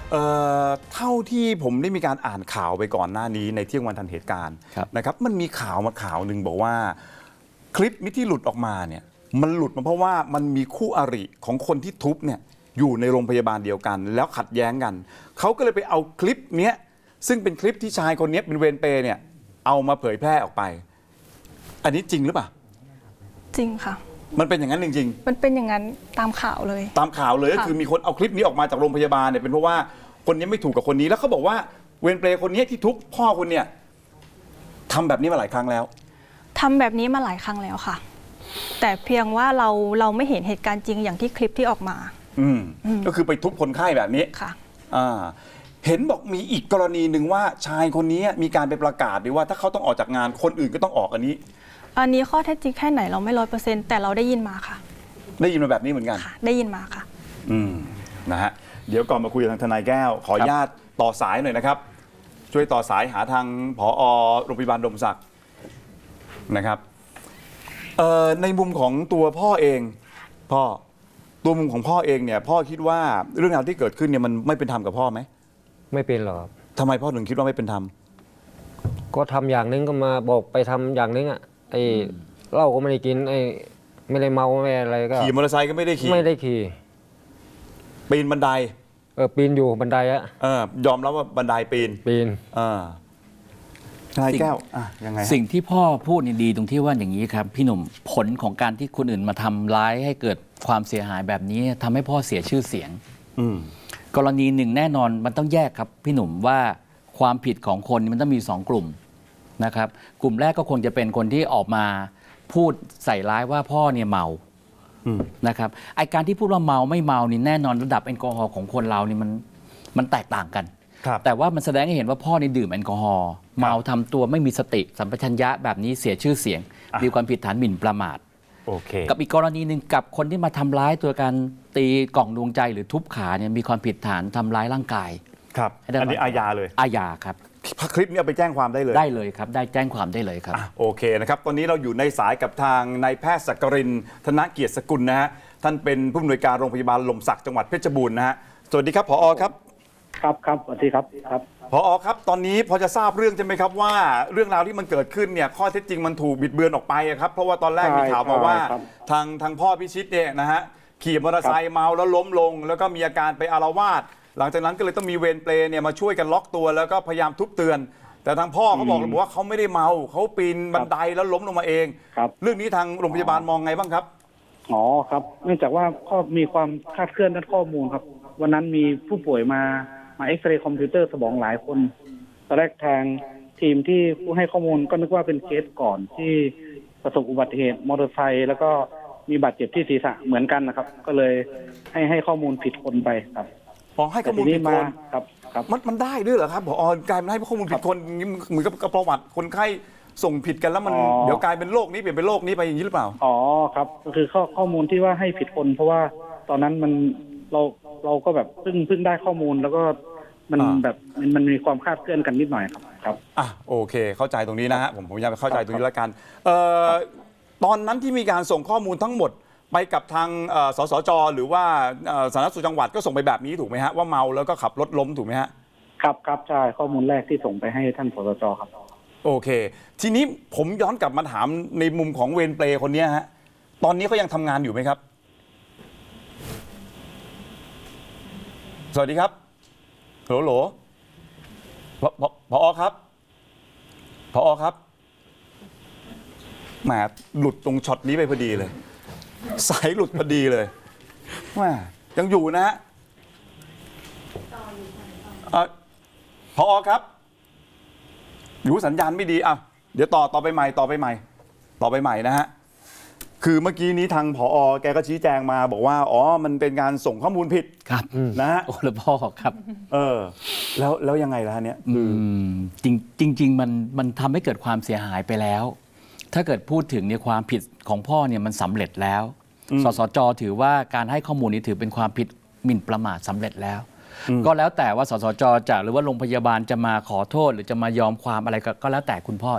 Speaker 1: เอ่อเท่าที่ผมได้มีการอ่านข่าวไปก่อนหน้านี้ในเที่ยงวันทันเหตุการณ์
Speaker 2: ครับ
Speaker 1: นะครับมันมีข่าวมาข่าวหนึ่งบอกว่าคลิปนี้ที่หลุดออกมาเนี่ยมันหลุดมาเพราะว่ามันมีคู่อริของคนที่ทุบเนี่ยอยู่ในโรงพยาบาลเดียวกัน แล้วขัดแย้งกันเขาก็เลยไปเอาคลิปเนี้ยซึ่งเป็นคลิปที่ชายคนนี้เป็นเวรเปรย์เนี่ยเอามาเผยแพร่ออกไป อันนี้จริงหรือเปล่า
Speaker 4: จริงค่ะ
Speaker 1: มันเป็นอย่างนั้นจริง
Speaker 4: มันเป็นอย่างนั้นตามข่าวเลย
Speaker 1: ๆ ตามข่าวเลยก็
Speaker 4: ค่ะ
Speaker 1: คือมีคนเอาคลิปนี้ออกมาจากโรงพยาบาลเนี่ยเป็นเพราะว่าคนนี้ไม่ถูกกับคนนี้แล้วเขาบอกว่าเวรเปรย์คนนี้ที่ทุบพ่อคุณเนี่ยทำแบบนี้มาหลายครั้งแล้ว
Speaker 4: ทำแบบนี้มาหลายครั้งแล้วค่ะ แต่เพียงว่าเราเราไม่เห็นเหตุการณ์จริงอย่างที่คลิปที่ออกมา
Speaker 1: อืม
Speaker 4: อืม
Speaker 1: ก็คือไปทุบคนไข้แบบนี้
Speaker 4: ค่ะ
Speaker 1: อ่าเห็นบอกมีอีกกรณีหนึ่งว่าชายคนนี้มีการไปประกาศด้วยว่าถ้าเขาต้องออกจากงานคนอื่นก็ต้องออกอันนี้
Speaker 4: อันนี้ข้อเท็จจริงแค่ไหนเราไม่ร้อยเปอร์เซ็นต์แต่เราได้ยินมาค่ะ
Speaker 1: ได้ยินมาแบบนี้เหมือนกัน
Speaker 4: ค่ะ ได้ยินมาค่ะ
Speaker 1: อืมนะฮะเดี๋ยวก่อนมาคุยกับทางทนายแก้ว ขออนุญาตต่อสายหน่อยนะครับ ช่วยต่อสายหาทางผอโรงพยาบาลดมศักดิ์นะครับเอ่อในมุมของตัวพ่อเองพ่อตัวมุมของพ่อเองเนี่ยพ่อคิดว่าเรื่องราวที่เกิดขึ้นเนี่ยมันไม่เป็นธรรมกับพ่อไหม
Speaker 3: ไม่เป็นหรอกครับ
Speaker 1: ทำไมพ่อถึงคิดว่าไม่เป็นธรรม
Speaker 3: ก็ทำอย่างนึงก็มาบอกไปทำอย่างนึงอ่ะไอ้เหล้าก็ไม่ได้กินไอ้ไม่ได้เมาไม่อะไรก็
Speaker 1: ขี่มอเตอร์ไซค์ก็ไม่ได้ขี่
Speaker 3: ไม่ได้ขี่
Speaker 1: ปีนบันได
Speaker 3: เออปีนอยู่บันไดอะ
Speaker 1: เออยอมรับว่าบันไดปีน
Speaker 3: ปีน
Speaker 1: เออทนายแก้วอ่ะยังไงฮะ
Speaker 2: สิ่งที่พ่อพูดนี่ดีตรงที่ว่าอย่างนี้ครับพี่หนุ่มผลของการที่คนอื่นมาทำร้ายให้เกิดความเสียหายแบบนี้ทำให้พ่อเสียชื่อเสียง
Speaker 1: อืม
Speaker 2: กรณีหนึ่งแน่นอนมันต้องแยกครับพี่หนุ่มว่าความผิดของคนมันต้องมีสองกลุ่มนะครับกลุ่มแรกก็คงจะเป็นคนที่ออกมาพูดใส่ร้ายว่าพ่อเนี่ยเมา
Speaker 1: อืม
Speaker 2: นะครับไอการที่พูดว่าเมาไม่เมานี่แน่นอนระดับแอลกอฮอล์ของคนเรานี่มันมันแตกต่างกัน
Speaker 1: ครับ
Speaker 2: แต่ว่ามันแสดงให้เห็นว่าพ่อนี่ดื่มแอลกอฮอล์เมาทำตัวไม่มีสติสัมปชัญญะแบบนี้เสียชื่อเสียง
Speaker 1: อ่ะ
Speaker 2: มีความผิดฐานหมิ่นประมาท
Speaker 1: โอเค
Speaker 2: กับอีกกรณีหนึ่งกับคนที่มาทำร้ายตัวการตีกล่องดวงใจหรือทุบขาเนี่ยมีความผิดฐานทำร้ายร่างกาย
Speaker 1: ครับ
Speaker 2: ให้ได้
Speaker 1: อันนี้อาญาเลย
Speaker 2: อาญาครับ
Speaker 1: คลิปนี้เอาไปแจ้งความได้เลย
Speaker 2: ได้เลยครับได้แจ้งความได้เลยครับ
Speaker 1: อ่ะโอเคนะครับ ตอนนี้เราอยู่ในสายกับทางนายแพทย์สักกรินทร์ธนเกียรติสกุลนะฮะ ท่านเป็นผู้อำนวยการโรงพยาบาลหล่มสักจังหวัดเพชรบูรณ์นะฮะ สวัสดีครับผอครับ
Speaker 7: ครับครับสวัสดีครับครับ
Speaker 1: ผอครับ ตอนนี้พอจะทราบเรื่องใช่ไหมครับว่าเรื่องราวที่มันเกิดขึ้นเนี่ยข้อเท็จจริงมันถูกบิดเบือนออกไปอะครับ เพราะว่าตอนแรกมีข่าวมาว่า
Speaker 7: ใช่ครับ
Speaker 1: ทางทางพ่อพิชิตเนี่ยนะฮะขี่มอเตอร์ไซค์เมาแล้วล้มลง แล้วก็มีอาการไปอาละวาด หลังจากนั้นก็เลยต้องมีเวรเปรย์เนี่ยมาช่วยกันล็อกตัวแล้วก็พยายามทุบเตือน แต่ทางพ่อเขาบอกเลยบอกว่าเขาไม่ได้เมาเขาปีนบันไดแล้วล้มลงมาเอง
Speaker 7: ครับ
Speaker 1: เรื่องนี้ทางโรงพยาบาลมองไงบ้างครับ
Speaker 7: อ๋อครับ เนื่องจากว่าก็มีความคลาดเคลื่อนด้านข้อมูลครับ วันนั้นมีผู้ป่วยมามาเอ็กซเรย์คอมพิวเตอร์สมองหลายคนตอนแรกทางทีมที่ผู้ให้ข้อมูลก็นึกว่าเป็นเคสก่อนที่ประสบอุบัติเหตุมอเตอร์ไซค์แล้วก็มีบาดเจ็บที่ศีรษะเหมือนกันนะครับ ก็เลยให้ให้ข้อมูลผิดคนไปครับ
Speaker 1: พอให้ข้อมูล
Speaker 7: แต่ที
Speaker 1: ผิด
Speaker 7: มา
Speaker 1: คน
Speaker 7: ครับครับ
Speaker 1: มันมันได้ด้วยเหรอครับผอกลายเป็นให้ข้อมูลผิดคนอย่างนี้เหมือนกับกับประวัติคนไข้ส่งผิดกันแล้วมัน
Speaker 7: อ๋อ
Speaker 1: เดี๋ยวกลายเป็นโรคนี้เปลี่ยนเป็นโรคนี้ไปอย่างนี้หรือเปล่า
Speaker 7: อ๋อครับก็คือข้อข้อมูลที่ว่าให้ผิดคน เพราะว่าตอนนั้นมันเราเราก็แบบเพิ่งเพิ่งได้ข้อมูลแล้วก็มัน
Speaker 1: อ่า
Speaker 7: แบบมันมันมีความคลาดเคลื่อนกันนิดหน่อยครับครับ
Speaker 1: อ่ะโอเค เข้าใจตรงนี้นะฮะผมผมอยากเข้าใจตรงนี้แล้วกันเอ่อตอนนั้นที่มีการส่งข้อมูลทั้งหมดไปกับทางเอ่อสสจหรือว่าเอ่อสาธารณสุขจังหวัดก็ส่งไปแบบนี้ถูกไหมฮะว่าเมาแล้วก็ขับรถล้มถูกไหมฮะ
Speaker 7: ครับครับใช่ข้อมูลแรกที่ส่งไปให้ท่านสสจครับ
Speaker 1: โอเค ทีนี้ผมย้อนกลับมาถามในมุมของเวรเปรย์คนเนี้ยฮะตอนนี้เขายังทำงานอยู่ไหมครับ สวัสดีครับโหลโหลพพพอครับพอครับแหมหลุดตรงช็อตนี้ไปพอดีเลย สายหลุดพอดีเลยแหมยังอยู่นะฮะเอ่อพอครับ อยู่สัญญาณไม่ดีอ่ะเดี๋ยวต่อต่อไปใหม่ต่อไปใหม่ ต่อไปใหม่นะฮะคือเมื่อกี้นี้ทางผอแกก็ชี้แจงมาบอกว่าอ๋อมันเป็นการส่งข้อมูลผิด
Speaker 2: ครับ
Speaker 1: นะฮะ
Speaker 2: โอ้แล้วพ่อครับ
Speaker 1: เออ แล้วแล้วยังไงล่ะเนี่ย
Speaker 2: อืมจริงจริง ๆ มันมันทำให้เกิดความเสียหายไปแล้ว ถ้าเกิดพูดถึงเนี่ยความผิดของพ่อเนี่ยมันสำเร็จแล้ว สสจถือว่าการให้ข้อมูลนี้ถือเป็นความผิดหมิ่นประมาทสำเร็จแล้ว ก็แล้วแต่ว่าสสจจะหรือว่าโรงพยาบาลจะมาขอโทษ หรือจะมายอมความอะไรก็ก็แล้วแต่คุณพ่อเอง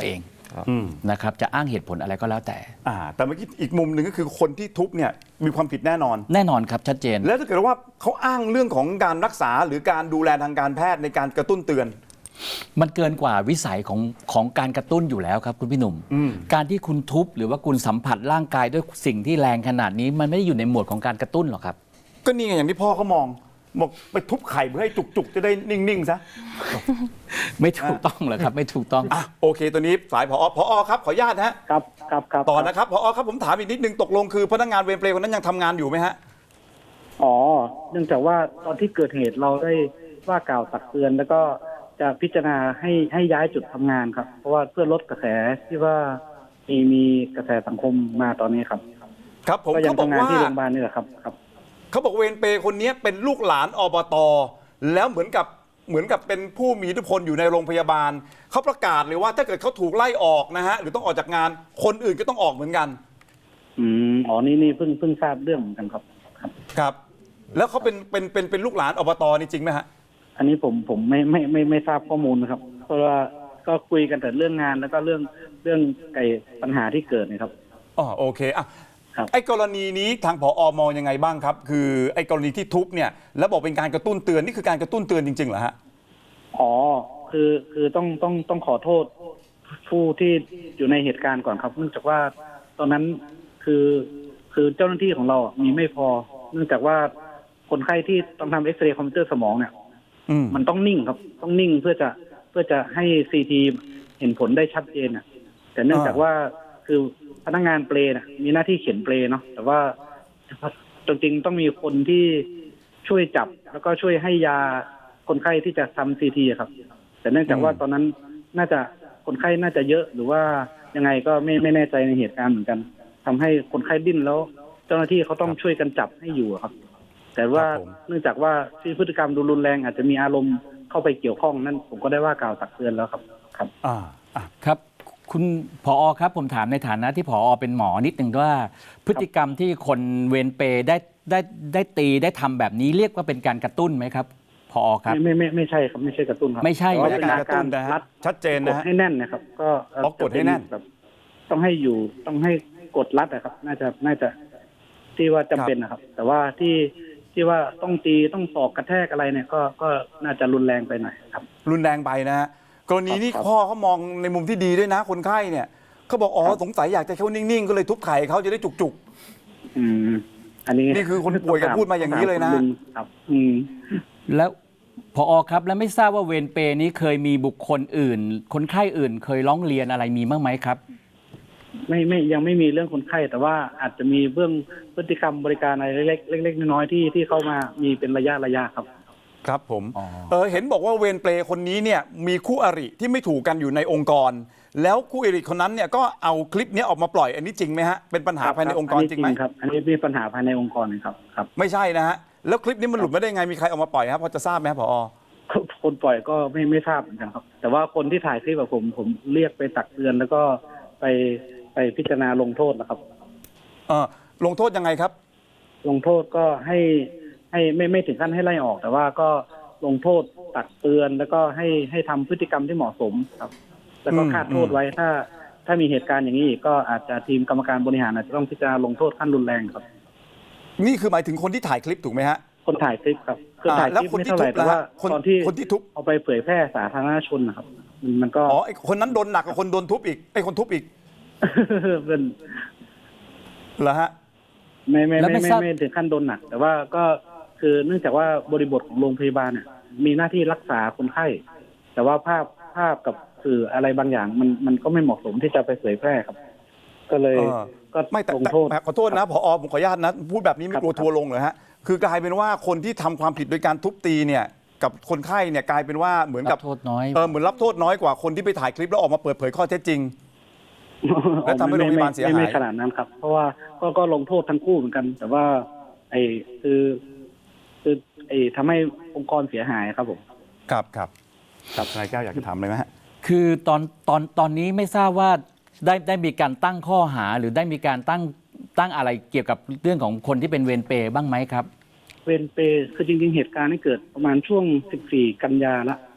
Speaker 1: อืม
Speaker 2: นะครับจะอ้างเหตุผลอะไรก็แล้วแต่
Speaker 1: อ่าแต่เมื่อกี้อีกมุมหนึ่งก็คือคนที่ทุบเนี่ยมีความผิดแน่นอน
Speaker 2: แน่นอนครับชัดเจน
Speaker 1: แล้วถ้าเกิดว่าเขาอ้างเรื่องของการรักษาหรือการดูแลทางการแพทย์ในการกระตุ้นเตือน
Speaker 2: มันเกินกว่าวิสัยของของการกระตุ้นอยู่แล้วครับคุณพี่หนุ่ม
Speaker 1: อืม
Speaker 2: การที่คุณทุบหรือว่าคุณสัมผัสร่างกายด้วยสิ่งที่แรงขนาดนี้มันไม่ได้อยู่ในหมวดของการกระตุ้นหรอกครับ
Speaker 1: ก็นี่ไงอย่างที่พ่อเขามองบอกไปทุบไข่เพื่อให้จุกๆ จะได้นิ่งๆซะ
Speaker 2: ไม่ถูกต้องหรอกครับ ไม่ถูกต้อง
Speaker 1: อ่ะโอเคตัวนี้สายผอผอครับขออนุญาตนะฮะ
Speaker 7: ครับครับครับ
Speaker 1: ต่อนะครับผอครับผมถามอีกนิดนึงตกลงคือพนักงานเวรเปรย์คนนั้นยังทำงานอยู่ไหมฮะ
Speaker 7: อ๋อ เนื่องจากว่าตอนที่เกิดเหตุเราได้ว่ากล่าวตักเตือน แล้วก็จะพิจารณาให้ให้ย้ายจุดทำงานครับ เพราะว่าเพื่อลดกระแสที่ว่ามีมีกระแสสังคมมาตอนนี้ครับ
Speaker 1: ครับผม
Speaker 7: ก็ยัง
Speaker 1: เขาบอก
Speaker 7: ทำงาน
Speaker 1: ว่า
Speaker 7: ที่โรงพยาบาลนี่แหละครับครับ
Speaker 1: เขาบอกเวรเปรย์คนนี้เป็นลูกหลานอบตแล้วเหมือนกับเหมือนกับเป็นผู้มีอิทธิพลอยู่ในโรงพยาบาลเขาประกาศเลยว่าถ้าเกิดเขาถูกไล่ออกนะฮะหรือต้องออกจากงานคนอื่นก็ต้องออกเหมือนกัน
Speaker 7: อืมอ๋อนี่นี่เพิ่งเพิ่งทราบเรื่องเหมือนกันครับครับ
Speaker 1: ครับ แล้วเขาเป็นเป็นเป็นเป็นลูกหลานอบตนี่จริงไหมฮะ
Speaker 7: อันนี้ผมผมไม่ไม่ไม่ไม่ทราบข้อมูลนะครับ เพราะว่าก็คุยกันแต่เรื่องงานแล้วก็เรื่องเรื่องไอ้ปัญหาที่เกิดนะครับ
Speaker 1: อ๋อโอเคอ่ะ
Speaker 7: ครับ
Speaker 1: ไอ้กรณีนี้ทางผอมองยังไงบ้างครับ คือไอ้กรณีที่ทุบเนี่ยแล้วบอกเป็นการกระตุ้นเตือนนี่คือการกระตุ้นเตือนจริงๆเหรอฮะ
Speaker 7: อ๋อคือคือต้องต้องต้องขอโทษผู้ที่อยู่ในเหตุการณ์ก่อนครับ เนื่องจากว่าตอนนั้นคือคือเจ้าหน้าที่ของเราอ่ะมีไม่พอ เนื่องจากว่าคนไข้ที่ต้องทำเอ็กซเรย์คอมพิวเตอร์สมองเนี่ย
Speaker 1: อืม
Speaker 7: มันต้องนิ่งครับ ต้องนิ่งเพื่อจะเพื่อจะให้ซีทีเห็นผลได้ชัดเจนอ่ะ แต่เนื่องจากว่าคือพนักงานเปลน่ะมีหน้าที่เขียนเปลเนาะแต่ว่าจริงๆต้องมีคนที่ช่วยจับแล้วก็ช่วยให้ยาคนไข้ที่จะทำซีทีครับ แต่เนื่องจากว่าตอนนั้นน่าจะคนไข้น่าจะเยอะหรือว่ายังไงก็ไม่ไม่แน่ใจในเหตุการณ์เหมือนกัน ทำให้คนไข้ดิ้นแล้ว เจ้าหน้าที่เขาต้องช่วยกันจับให้อยู่อะครับ แต่ว่า
Speaker 1: ครับผม
Speaker 7: เนื่องจากว่าที่พฤติกรรมดูรุนแรงอาจจะมีอารมณ์เข้าไปเกี่ยวข้องนั่นผมก็ได้ว่ากล่าวตักเตือนแล้วครับครับ
Speaker 1: อ่าอ่ะ
Speaker 2: ครับคุณผอครับผมถามในฐานะที่ผอเป็นหมอนิดหนึ่งว่า พฤติกรรมที่คนเวรเปรย์ได้ได้ได้ตีได้ทำแบบนี้เรียกว่าเป็นการกระตุ้นไหมครับผอครับ
Speaker 7: ไม่ไม่ไม่ไม่ใช่ครับไม่ใช่กระตุ้นครับ
Speaker 2: ไม่ใช่
Speaker 7: แต่ว่า
Speaker 1: ไม่
Speaker 7: เป็น
Speaker 1: ใช่
Speaker 7: อา
Speaker 1: การกระ
Speaker 7: กา
Speaker 1: ตุ้
Speaker 7: ร
Speaker 1: นนะฮะ
Speaker 7: รัด
Speaker 1: ชัดเจน
Speaker 7: ก
Speaker 1: นะ
Speaker 7: ด
Speaker 1: ฮะ
Speaker 7: ให้แน่นนะครับ ก็เ
Speaker 1: อ๋อกดให้แน่น
Speaker 7: แบบต้องให้อยู่ต้องให้กดรัดนะครับ น่าจะน่าจะที่ว่าจำเป็นนะครับ แต่ว่าที่ที่ว่าต้องตีต้องศอกกระแทกอะไรเนี่ยก็ก็น่าจะรุนแรงไปหน่อยครับ
Speaker 1: รุนแรงไปนะฮะกรณีนี้
Speaker 7: ครับ
Speaker 1: พ่อเขามองในมุมที่ดีด้วยนะ คนไข้เนี่ยเขาบอกอ๋อ
Speaker 7: ครับ
Speaker 1: สงสัยอยากจะเขานิ่งๆ ก็เลยทุบไข่เขาจะได้จุก
Speaker 7: อืม อันนี้
Speaker 1: นี่คือคนป่วยก็พูดมาอย่างนี้เลยนะ
Speaker 7: ถมคุณลุงครับ อืม
Speaker 2: แล้วผอครับแล้วไม่ทราบว่าเวรเปรย์นี้เคยมีบุคคลอื่น คนไข้อื่น เคยร้องเรียนอะไรมีบ้างไหมครับ
Speaker 7: ไม่ไม่ยังไม่มีเรื่องคนไข้ แต่ว่าอาจจะมีเบื้องพฤติกรรมบริการอะไรเล็กๆเล็กๆน้อยๆที่ที่เข้ามามีเป็นระยะระยะครับ
Speaker 1: ๆ ครับผม
Speaker 2: อ๋อ
Speaker 1: เออเห็นบอกว่าเวรเปรย์คนนี้เนี่ยมีคู่อริที่ไม่ถูกกันอยู่ในองค์กร แล้วคู่อริคนนั้นเนี่ยก็เอาคลิปนี้ออกมาปล่อยอันนี้จริงไหมฮะเป็นปัญหาภายในองค์กรจริงไหม
Speaker 7: ครับ อันนี้มีปัญหาภายในองค์กรนะครับครับ
Speaker 1: ไม่ใช่นะฮะแล้วคลิปนี้มันหลุดมาได้ไงมีใครเอามาปล่อยครับพอจะทราบไหมครับผอ
Speaker 7: คนปล่อยก็ไม่ไม่ทราบเหมือนกันครับ แต่ว่าคนที่ถ่ายคลิปกับผมผมเรียกไปตักเตือน แล้วก็ไปไปพิจารณาลงโทษนะครับ
Speaker 1: เออลงโทษยังไงครับ
Speaker 7: ลงโทษก็ให้ให้ไม่ไม่ถึงขั้นให้ไล่ออก แต่ว่าก็ลงโทษตักเตือนแล้วก็ให้ให้ทำพฤติกรรมที่เหมาะสมครับ แล้วก็
Speaker 1: อืม
Speaker 7: คาดโทษไว้ถ้า ถ้ามีเหตุการณ์อย่างนี้อีกก็อาจจะทีมกรรมการบริหารอาจจะต้องพิจารณาลงโทษขั้นรุนแรงครับ
Speaker 1: นี่คือหมายถึงคนที่ถ่ายคลิปถูกไหมฮะ
Speaker 7: คนถ่ายคลิปครับคือ
Speaker 1: อ่า
Speaker 7: ถ่ายค
Speaker 1: แล้ว
Speaker 7: ลิป
Speaker 1: คน
Speaker 7: ไม่
Speaker 1: ที่
Speaker 7: เท่าไหร่
Speaker 1: ทุบ
Speaker 7: แต่
Speaker 1: ล่ะ
Speaker 7: ว่า
Speaker 1: ฮะคน
Speaker 7: ตอนที่
Speaker 1: คนที่ทุบ
Speaker 7: เอาไปเผยแพร่สาธารณชนนะครับมันมันก็
Speaker 1: อ๋อไอ้คนนั้นโดนหนักกว่าคนโดนทุบอีกไอ้คนทุบอีก
Speaker 7: เป็น
Speaker 1: เหรอฮะ
Speaker 7: ไม่ไม่
Speaker 2: แล้ว
Speaker 7: ไม่
Speaker 2: ไม่
Speaker 7: ไม่
Speaker 2: ทราบ
Speaker 7: ไม่ถึงขั้นโดนหนัก แต่ว่าก็คือเนื่องจากว่าบริบทของโรงพยาบาลเนี่ยมีหน้าที่รักษาคนไข้ แต่ว่าภาพภาพกับสื่ออะไรบางอย่าง มันมันก็ไม่เหมาะสมที่จะไปเผยแพร่ครับ ก็เลย
Speaker 1: เออ
Speaker 7: ก็
Speaker 1: ไม่แต่
Speaker 7: ลง
Speaker 1: แต่
Speaker 7: โทษ
Speaker 1: แต่ขอโทษนะผอผมขออนุญาตนะพูดแบบนี้ไม่
Speaker 7: ครับ
Speaker 1: กลัวทัวร์ลงเหรอฮะคือกลายเป็นว่าคนที่ทำความผิดโดยการทุบตีเนี่ยกับคนไข้เนี่ยกลายเป็นว่าเหมือนกับ
Speaker 2: รับโทษน้อย
Speaker 1: เออเหมือนรับโทษน้อยกว่าคนที่ไปถ่ายคลิปแล้วออกมาเปิดเผยข้อเท็จจริง แล้วทำให้โรงพยาบาลเสียหาย
Speaker 7: ไม่ไม่ขนาดนั้นครับ เพราะว่าก็ก็ลงโทษทั้งคู่เหมือนกัน แต่ว่า ไอ้คือคือไอ้ทำให้องค์กรเสียหายครับผม
Speaker 1: ครับครับครับนายแก้วอยากจะถามอะไรไหมฮะ
Speaker 2: คือตอนตอนตอนนี้ไม่ทราบว่าได้ได้มีการตั้งข้อหาหรือได้มีการตั้งตั้งอะไรเกี่ยวกับเรื่องของคนที่เป็นเวรเปรย์บ้างไหมครับ
Speaker 7: เวรเปรย์คือจริงๆเหตุการณ์นี้เกิดประมาณช่วงสิบสี่กันยาละพ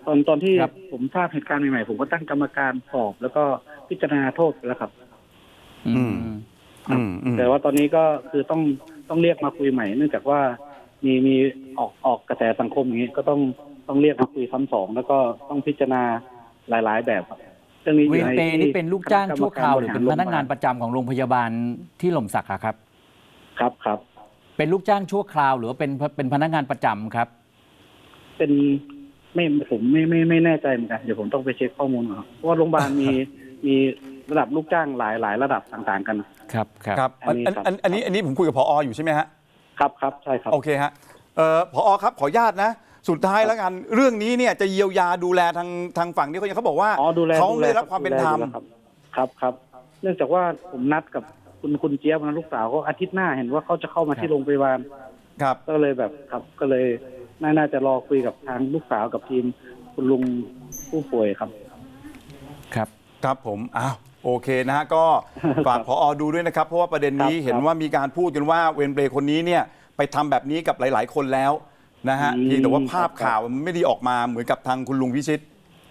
Speaker 7: ตอนตอนที่
Speaker 2: ครับ
Speaker 7: ผมทราบเหตุการณ์ใหม่ๆผมก็ตั้งกรรมการสอบ แล้วก็พิจารณาโทษไปแล้วครับ
Speaker 2: อืม
Speaker 1: อืมอืม
Speaker 7: แต่ว่าตอนนี้ก็คือต้องต้องเรียกมาคุยใหม่ เนื่องจากว่ามีมีออกออกกระแสสังคมอย่างนี้ก็ต้องต้องเรียกมาคุยซ้ำสองแล้วก็ต้องพิจารณาหลาย ๆ แบบครับเรื่องนี้อ
Speaker 2: เว
Speaker 7: ยู่
Speaker 2: ร
Speaker 7: ใน
Speaker 2: เปรย์
Speaker 7: ที่
Speaker 2: นี่เป็นลูกจ้างชั่วคราวหรือเป็นพนักงาน
Speaker 7: ค
Speaker 2: ประจำของโรงพยาบาลที่หล่มสักอะครับ
Speaker 7: รับครับ
Speaker 2: เป็นลูกจ้างชั่วคราวหรือว่าเป็นเป็นพนักงานประจำครับ
Speaker 7: เป็นไม่ผมไม่ไม่ไม่แน่ใจเหมือนกันเดี๋ยวผมต้องไปเช็คข้อมูลก่อนครับเพราะว่าโรงพยาบาลมีมีระดับลูกจ้างหลายหลายระดับต่างๆกัน
Speaker 2: ครับครับ
Speaker 1: ครับ
Speaker 7: อั
Speaker 1: อัน
Speaker 7: นนี้ครับ
Speaker 1: อันอันนี้อันนี้ผมคุยกับผออยู่ใช่ไหมฮะ
Speaker 7: ครับครับใช่ครับ
Speaker 1: โอเคฮะเอ่อผอครับขออนุญาตนะ สุดท้ายแล้วกันเรื่องนี้เนี่ยจะเยียวยาดูแลทางทางฝั่งนี้เขายังเขาบอกว่า
Speaker 7: อ๋อดูแล
Speaker 1: เขา
Speaker 7: ดูแล
Speaker 1: ไม่ได้รับความเป็นธรรม
Speaker 7: ดูแลอยู่แล้วครับครับครับ เนื่องจากว่าผมนัดกับคุณคุณเจี๊ยบนะลูกสาวเขาอาทิตย์หน้าเห็นว่าเขาจะเข้ามาที่โรงพยาบาล
Speaker 1: ครับ
Speaker 7: ก็เลยแบบครับก็เลยน่าน่าจะรอคุยกับทางลูกสาวกับทีมคุณลุงผู้ป่วยครับ
Speaker 2: ครับ
Speaker 1: ครับผมอ้าวโอเคนะฮะก็ฝากผอดูด้วยนะครับ เพราะว่าประเด็นนี้
Speaker 7: ครับ
Speaker 1: เห็นว่ามีการพูดกันว่าเวรเปรย์คนนี้เนี่ยไปทำแบบนี้กับหลาย ๆ คนแล้วนะฮะ
Speaker 7: อืม
Speaker 1: เพียงแต่ว่าภาพ
Speaker 7: ครับ
Speaker 1: ข่าวมันไม่ได้ออกมาเหมือนกับทางคุณลุงพิชิต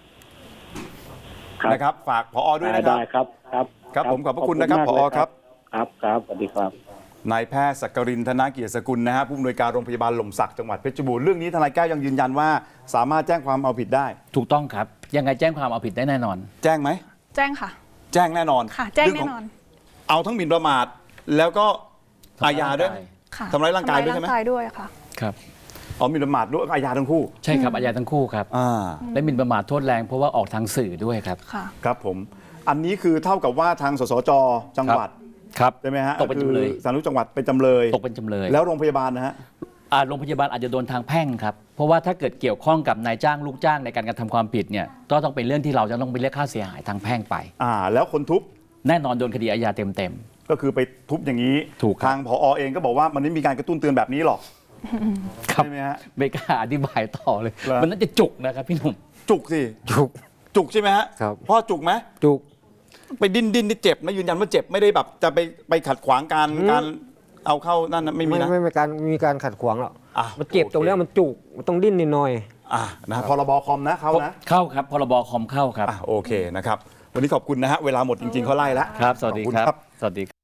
Speaker 7: ครับ
Speaker 1: นะครับ ฝากผอด้วยนะครับ
Speaker 7: ได้ครับครับ
Speaker 1: ครับผมขอบพระคุณนะครับ
Speaker 7: มาก
Speaker 1: ผอ
Speaker 7: เลย
Speaker 1: ครับ
Speaker 7: ครับครับสวัสดีครับ
Speaker 1: นายแพทย์สักกรินทนาเกียรติสกุลนะฮะผู้อำนวยการโรงพยาบาลหล่มสักจังหวัดเพชรบูรณ์เรื่องนี้ทนายแก้วยังยืนยันว่าสามารถแจ้งความเอาผิดได้
Speaker 2: ถูกต้องครับ ยังไงแจ้งความเอาผิดได้แน่นอน
Speaker 1: แจ้งไหม
Speaker 4: แจ้งค่ะ
Speaker 1: แจ้งแน่นอน
Speaker 4: ค่ะ แจ้ง
Speaker 1: เรื่
Speaker 4: แน่
Speaker 1: ข
Speaker 4: นอน
Speaker 1: เอาทั้งหมิ่นประมาทแล้วก็อาญาด้วย
Speaker 4: ค่ะ
Speaker 1: ทำร้ายร่างกายด้วยใช่ไหม
Speaker 4: ทำร้ร่างกายด้วยค่ะ
Speaker 2: ครับ
Speaker 1: อ๋อหมิ่นประมาทด้วยอาญาทั้งคู่
Speaker 2: ใช่ครับอาญาทั้งคู่ครับ
Speaker 1: อ่า
Speaker 2: และหมิ่นประมาทโทษแรงเพราะว่าออกทางสื่อด้วยครับ
Speaker 4: ค่ะ
Speaker 1: ครับผม อันนี้คือเท่ากับว่าทางสสจจังหวัด
Speaker 2: ครับ
Speaker 1: ใช่ไหมฮะ
Speaker 2: ตกเป็นจำเลย
Speaker 1: คือสาธารณสุขจังหวัดเป็นจำเลย
Speaker 2: ตกเป็นจำเลย
Speaker 1: แล้วโรงพยาบาลนะฮะ
Speaker 2: อ่าโรงพยาบาลอาจจะโดนทางแพ่งครับ เพราะว่าถ้าเกิดเกี่ยวข้องกับนายจ้างลูกจ้างในการกระทำความผิดเนี่ยก็ต้องเป็นเรื่องที่เราจะต้องไปเรียกค่าเสียหายทางแพ่งไป
Speaker 1: อ่า แล้วคนทุบ
Speaker 2: แน่นอนโดนคดีอาญาเต็ม
Speaker 1: ก็คือไปทุบอย่างนี้
Speaker 2: ถูกครับ
Speaker 1: ทางผอเองก็บอกว่ามันไม่มีการกระตุ้นเตือนแบบนี้หรอก
Speaker 2: ๆครับ
Speaker 1: ใช่ไหมฮะ
Speaker 2: ไม่กล้าอธิบายต่อเลย
Speaker 1: เหรอ
Speaker 2: มันน่าจะจุกนะครับพี่หนุ่ม
Speaker 1: จุกสิ
Speaker 3: จุก
Speaker 1: จุกใช่ไหมฮะ
Speaker 3: ครับ
Speaker 1: พ่อจุกไหม
Speaker 3: จุก
Speaker 1: ไปดิ้นดิ้นนี่เจ็บนะยืนยันว่าเจ็บไม่ได้แบบจะไปไปขัดขวางการ
Speaker 3: อืม
Speaker 1: การเอาเข้านั่นนะไม่มี
Speaker 3: ไม่
Speaker 1: นะ
Speaker 3: ไม่มีการมีการขัดขวางหรอก
Speaker 1: อ่ะ
Speaker 3: มันเจ็บ
Speaker 1: โอเค
Speaker 3: ตรงเนี้ยมันจุกมันต้องดิ้นนิดหน่อย
Speaker 1: อ่ะนะพรบคอมนะเขานะ
Speaker 2: เข้าครับพรบคอมเข้าครับ
Speaker 1: อ่ะโอเคนะครับ วันนี้ขอบคุณนะฮะ เวลาหมดจริง ๆเขาไล่แล้ว
Speaker 2: ครับ สวัสดี
Speaker 1: ขอบคุณ
Speaker 2: ครับ
Speaker 1: ครับ
Speaker 2: สวัสดี